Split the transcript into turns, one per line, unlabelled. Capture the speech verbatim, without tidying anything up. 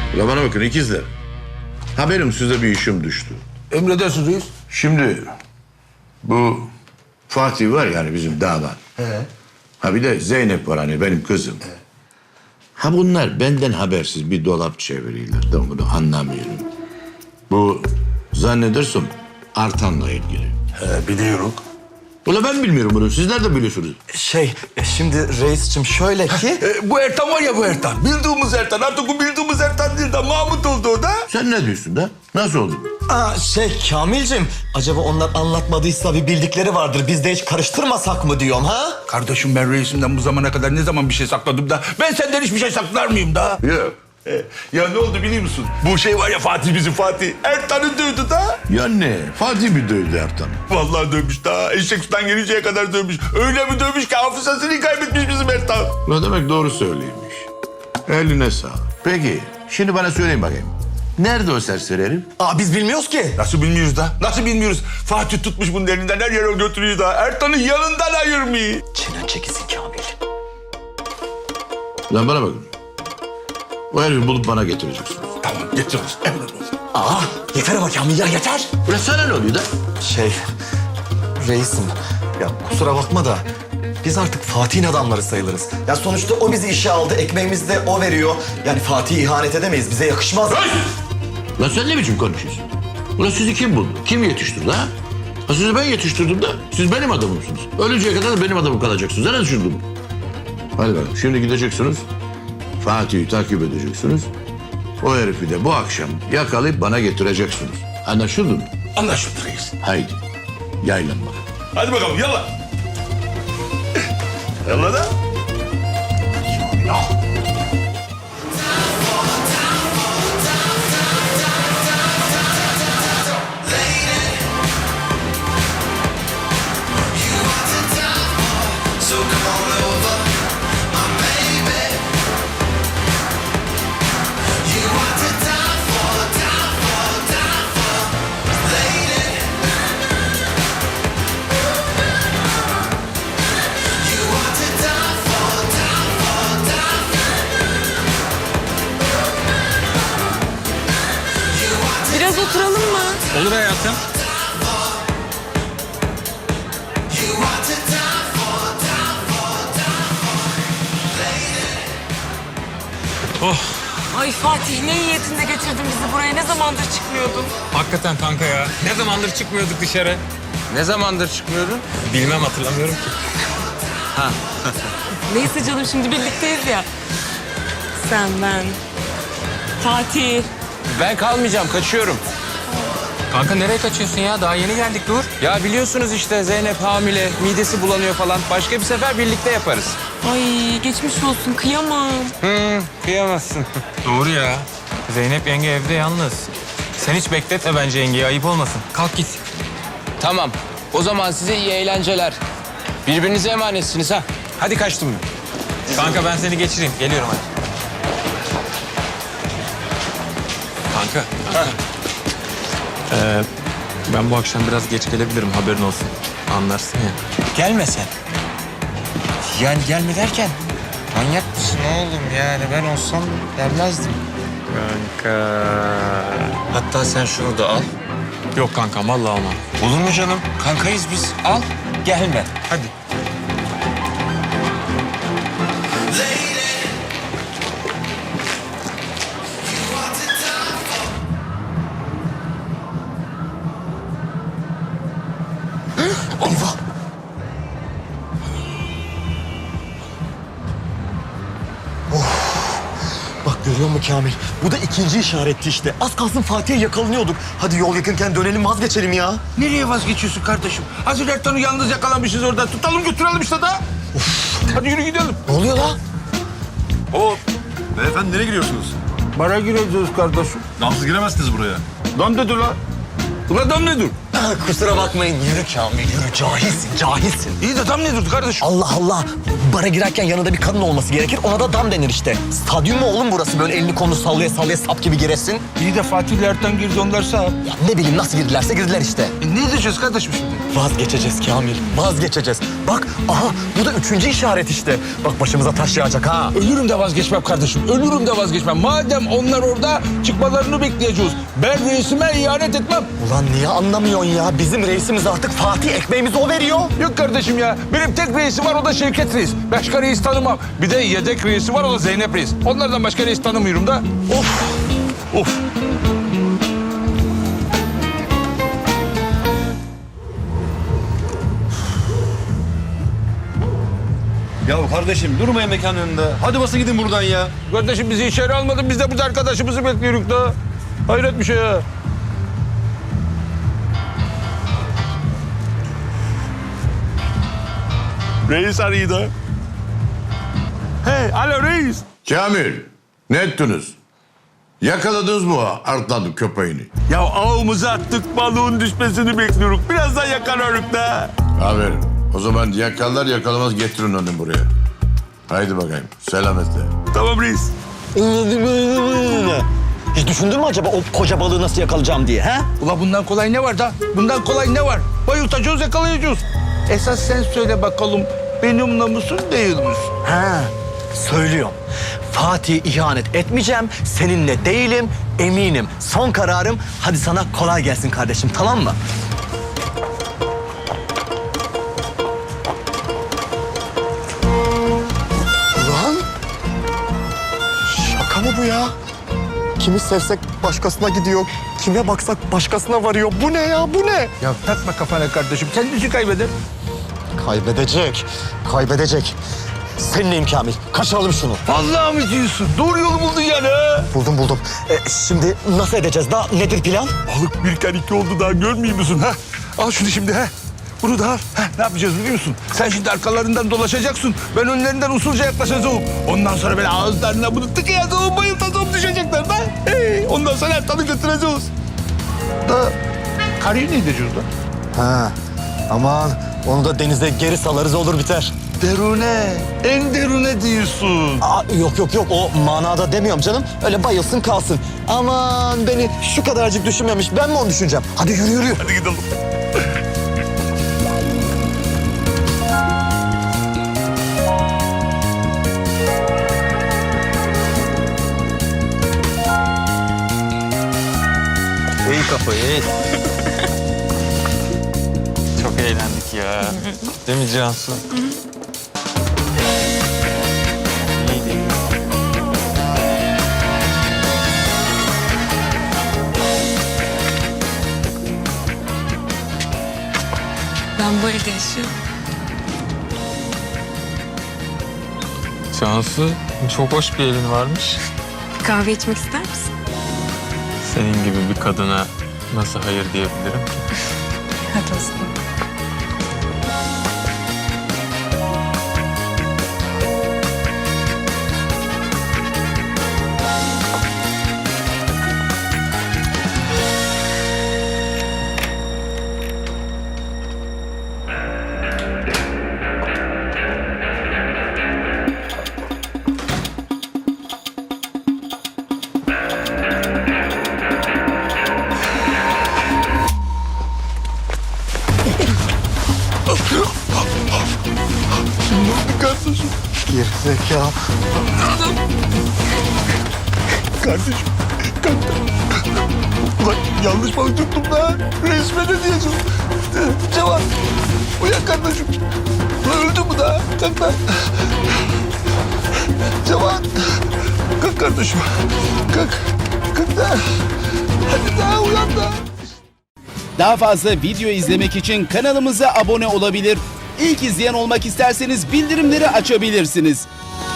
Ulan bana bakın ikizler. Haberim size bir işim düştü.
Emredersiniz reis.
Şimdi bu Fatih var yani bizim damat.
He.
Ha bir de Zeynep var hani benim kızım.
He.
Ha bunlar benden habersiz bir dolap çeviriyorlar. Ben bunu anlamıyorum. Bu zannedersem Artan'la ilgili.
He, biliyorum.
Ulan ben bilmiyorum bunu. Siz nereden biliyorsunuz?
Şey, e, şimdi reisçim şöyle ki...
E, bu Ertan var ya bu Ertan. Bildiğimiz Ertan. Artık bu bildiğimiz Ertan değil de Mahmut oldu o da.
Sen ne diyorsun da? Nasıl oldu?
Aa, şey Kamil'cim, acaba onlar anlatmadıysa bir bildikleri vardır. Biz de hiç karıştırmasak mı diyorum ha?
Kardeşim ben reisimden bu zamana kadar ne zaman bir şey sakladım da... Ben senden hiçbir şey saklar mıyım da?
Yok.
E, ya ne oldu biliyor musun? Bu şey var ya Fatih bizim Fatih. Ertan'ı dövdü da.
Ya ne? Fatih mi dövdü Ertan'ı?
Vallahi dövmüş daha. Eşek sudan gelinceye kadar dövmüş. Öyle mi dövmüş ki hafızasını kaybetmiş bizim Ertan.
Ne demek doğru söyleymiş. Eline sağlık. Peki şimdi bana söyleyin bakayım. Nerede o serseri herif?
Aa, biz bilmiyoruz ki.
Nasıl bilmiyoruz da? Nasıl bilmiyoruz? Fatih tutmuş bunun elinden her yere götürüyor da. Ertan'ı yanından ayırmıyor.
Çenen çekilsin Kamil.
Lan bana bakın. O herifi bulup bana getireceksiniz.
Tamam getiririz. Emredersin.
Aa, yeter ama Kamil ya, yeter.
Ulan sana ne oluyor da?
Şey, reisim, ya kusura bakma da biz artık Fatih'in adamları sayılırız. Ya sonuçta o bizi işe aldı, ekmeğimizi de o veriyor. Yani Fatih'e ihanet edemeyiz, bize yakışmaz.
Lan sen ne biçim konuşuyorsun? Ulan sizi kim buldu? Kim yetiştirdi ha? Ha sizi ben yetiştirdim de siz benim adamımsınız. Ölünceye kadar da benim adamım kalacaksınız. Nereden düşündün? Hadi bakalım şimdi gideceksiniz. Fatih'i takip edeceksiniz. O herifi de bu akşam yakalayıp bana getireceksiniz. Anlaşıldı mı?
Anlaşıldı reis.
Haydi yaylan bakalım.
Hadi bakalım yalla. Yalla da. Ya.
Biraz oturalım mı?
Olur hayatım. Oh,
Ay Fatih, ne niyetinde getirdin bizi buraya? Ne zamandır çıkmıyordun?
hakikaten kanka ya. Ne zamandır çıkmıyorduk dışarı?
Ne zamandır çıkmıyordun?
Bilmem, hatırlamıyorum ki.
Neyse canım, şimdi birlikteyiz ya. Sen, ben, Fatih.
Ben kalmayacağım, kaçıyorum.
Kanka nereye kaçıyorsun ya? Daha yeni geldik, dur.
Ya biliyorsunuz işte Zeynep hamile, midesi bulanıyor falan. Başka bir sefer birlikte yaparız.
Ay geçmiş olsun, kıyamam.
Hı, kıyamazsın.
Doğru ya. Zeynep yenge evde yalnız. Sen hiç bekletme bence yengeyi, ayıp olmasın. Kalk git.
Tamam, o zaman size iyi eğlenceler. Birbirinize emanetsiniz ha. Hadi kaçtım ben.
Kanka ben seni geçireyim. Geliyorum hadi. Kanka. kanka. Ee, ben bu akşam biraz geç gelebilirim, haberin olsun. Anlarsın ya.
Gelme sen. Yani gelme derken manyak mısın oğlum yani ben olsam gelmezdim.
Kanka.
Hatta sen şunu da al.
Yok kankam, vallahi almam.
Olur mu canım? Kankayız biz. Al, gelme.
Hadi.
Eyvah! Of! Bak görüyor musun Kamil? Bu da ikinci işaretti işte. Az kalsın Fatih'e yakalanıyorduk. Hadi yol yakınken dönelim, vazgeçelim ya.
Nereye vazgeçiyorsun kardeşim? Hazır Ertan'ı yalnız yakalamışız orada. Tutalım götürelim işte da. Hadi yürü gidelim.
Ne oluyor la?
Hop.
Beyefendi nereye giriyorsunuz?
Bara gireceğiz kardeşim.
Damsız giremezsiniz buraya.
Dam dedi la. Ula dam ne dur?
Kusura bakmayın. Yürü Kamil yürü. Cahilsin cahilsin.
İyi de tam ne durdu kardeşim?
Allah Allah. Bara girerken yanında bir kadın olması gerekir. Ona da dam denir işte. Stadyum mu oğlum burası? Böyle elini kolunu sallaya sallaya sap gibi giresin.
İyi de Fatih ile Ertan girdi onlar sağ.
Ya ne bileyim nasıl girdilerse girdiler işte.
E, ne diyeceğiz kardeşim şimdi?
Vazgeçeceğiz Kamil. Vazgeçeceğiz. Bak aha bu da üçüncü işaret işte. Bak başımıza taş yağacak ha.
Ölürüm de vazgeçmem kardeşim. Ölürüm de vazgeçmem. Madem onlar orada çıkmalarını bekleyeceğiz. Ben reisime ihanet etmem.
Ulan niye anlamıyorsun ya? Bizim reisimiz artık Fatih, ekmeğimizi o veriyor.
Yok kardeşim ya. Benim tek reisim var, o da Şevket Reis. Başka reis tanımam. Bir de yedek reisi var, o da Zeynep Reis. Onlardan başka reis tanımıyorum da. Of. Of.
Ya kardeşim durmayın mekanın önünde. Hadi basın gidin buradan ya.
Kardeşim bizi içeri almadın. Biz de burada arkadaşımızı bekliyoruz da. Hayret bir şey ya. Reis arıyor da. Hey, alo reis.
Kamil, ne ettiniz? Yakaladınız mı o artladı köpeğini?
Ya ağımıza attık, balığın düşmesini bekliyoruz. Birazdan yakalarız da.
Aferin. O zaman yakalar yakalamaz getirin onu buraya. Haydi bakayım, selametle.
Tamam reis.
Hiç düşündün mü acaba o koca balığı nasıl yakalayacağım diye ha?
Ula bundan kolay ne var da? Bundan kolay ne var? Bayıltacağız, yakalayacağız. Esas sen söyle bakalım, benimle musun değil misin?
Ha, söylüyorum. Fatih ihanet etmeyeceğim, seninle değilim, eminim. Son kararım, hadi sana kolay gelsin kardeşim, tamam mı? Ulan, şaka mı bu ya? Kimi sevsek başkasına gidiyor, kime baksak başkasına varıyor. Bu ne ya, bu ne?
Ya takma kafana kardeşim, kendisi kaybeder.
Kaybedecek, kaybedecek. Seninleyim Kamil, kaçıralım şunu.
Vallahi mi diyorsun? Doğru yolu buldun yani ha.
Buldum buldum. Ee, şimdi nasıl edeceğiz daha? Nedir plan?
Balık bir kan iki oldu daha görmüyor musun ha? Al şunu şimdi ha. Bunu da al. Ha, ne yapacağız biliyor musun? Sen şimdi arkalarından dolaşacaksın. Ben önlerinden usulca yaklaşacağım. Ondan sonra böyle ağızlarına bunu tıkayacağım, bayıltacağım, düşecekler da. Hey, ondan sonra Ertan'ı götüreceğiz. Da karıyı ne edeceğiz da?
Ha, aman onu da denize geri salarız olur biter.
Derune, en derune diyorsun.
Aa, yok yok yok o manada demiyorum canım. Öyle bayılsın kalsın. Aman beni şu kadarcık düşünmemiş. Ben mi onu düşüneceğim? Hadi yürü yürü.
Hadi gidelim.
İyi kafayı iyi. Çok eğlendik ya. Değil mi Cansu? İyiydi.
Ben bu evde yaşıyorum.
Cansu çok hoş bir elin varmış.
Bir kahve içmek ister misin?
Senin gibi bir kadına nasıl hayır diyebilirim ki?
Hadi o zaman.
Kardeşim,
Gerizekalı.
kardeşim. Kalk. Ulan yanlış balık tuttum da. Resme ne diyeceğim? Cevat, uyan kardeşim. Ulan öldü mü daha? Kalk lan. Cevat, kalk kardeşim. Kalk, kalk da. Hadi daha uyan da.
Daha fazla video izlemek için kanalımıza abone olabilir. İlk izleyen olmak isterseniz bildirimleri açabilirsiniz.